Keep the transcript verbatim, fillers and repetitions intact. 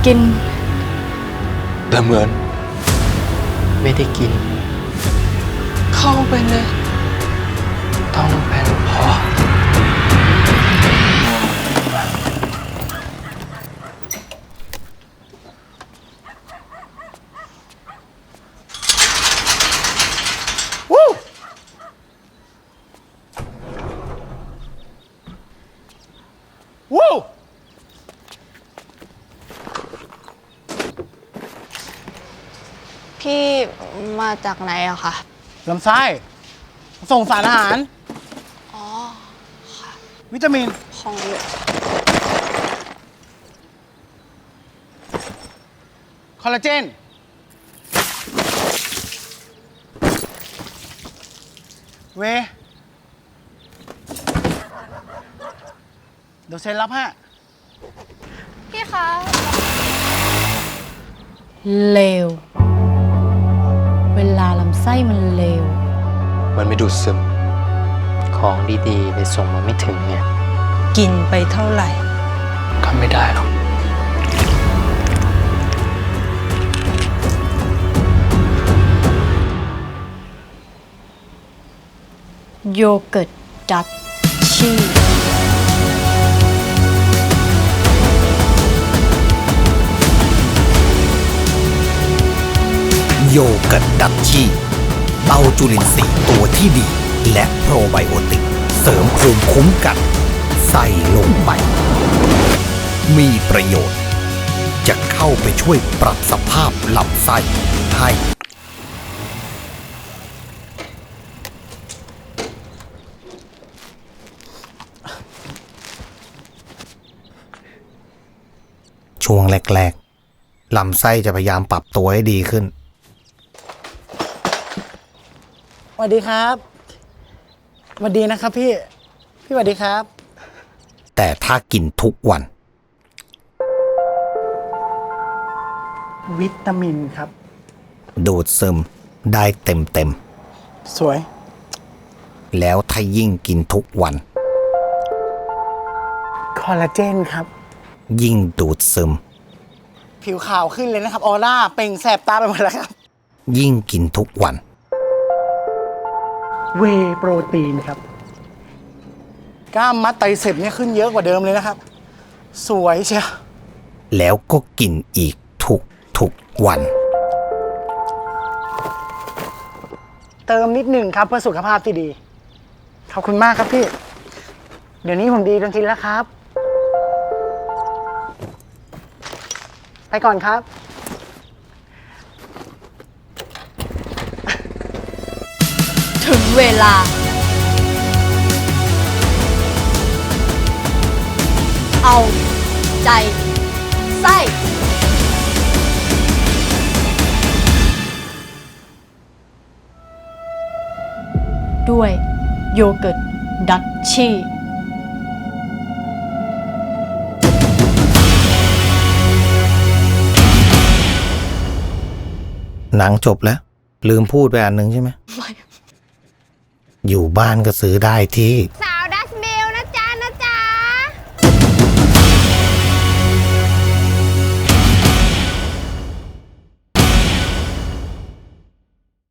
กินแต่เหมือนไม่ได้กินเข้าไปเลยต้องเป็นพอวู้พี่มาจากไหนอะคะลำไส้ส่งสารอาหารอ๋อค่ะวิตามินของอยู่คอลลาเจนเวเดี๋ยวเซ็นรับฮะพี่คะเลวเวลาลำไส้มันเลวมันไม่ดูดซึมของดีๆเลยส่งมาไม่ถึงเนี่ยกินไปเท่าไหร่ก็ไม่ได้หรอกโยเกิร์ตดัชชี่โยเกิร์ตดัชชี่เต้าจุลินทรีย์ตัวที่ดีและโปรไบโอติกเสริมภูมิคุ้มกันใส่ลงไปมีประโยชน์จะเข้าไปช่วยปรับสภาพลำไส้ให้ช่วงแรกๆลำไส้จะพยายามปรับตัวให้ดีขึ้นสวัสดีครับสวัสดีนะครับพี่พี่สวัสดีครับแต่ถ้ากินทุกวันวิตามินครับดูดซึมได้เต็มเต็มสวยแล้วถ้ายิ่งกินทุกวันคอลลาเจนครับยิ่งดูดซึมผิวขาวขึ้นเลยนะครับออร่าเปล่งแสบตาไปหมดแล้วครับยิ่งกินทุกวันเวย์โปรตีนครับกล้ามมัดไตรเสพเนี่ยขึ้นเยอะกว่าเดิมเลยนะครับสวยเชียวแล้วก็กินอีกทุกทุกวันเติมนิดหนึ่งครับเพื่อสุขภาพที่ดีขอบคุณมากครับพี่เดี๋ยวนี้ผมดีจนชินแล้วครับไปก่อนครับถึงเวลาเอาใจไส้ด้วยโยเกิร์ตดัชชี่หนังจบแล้วลืมพูดไปอันหนึ่งใช่ไหม อยู่บ้านก็ซื้อได้ที่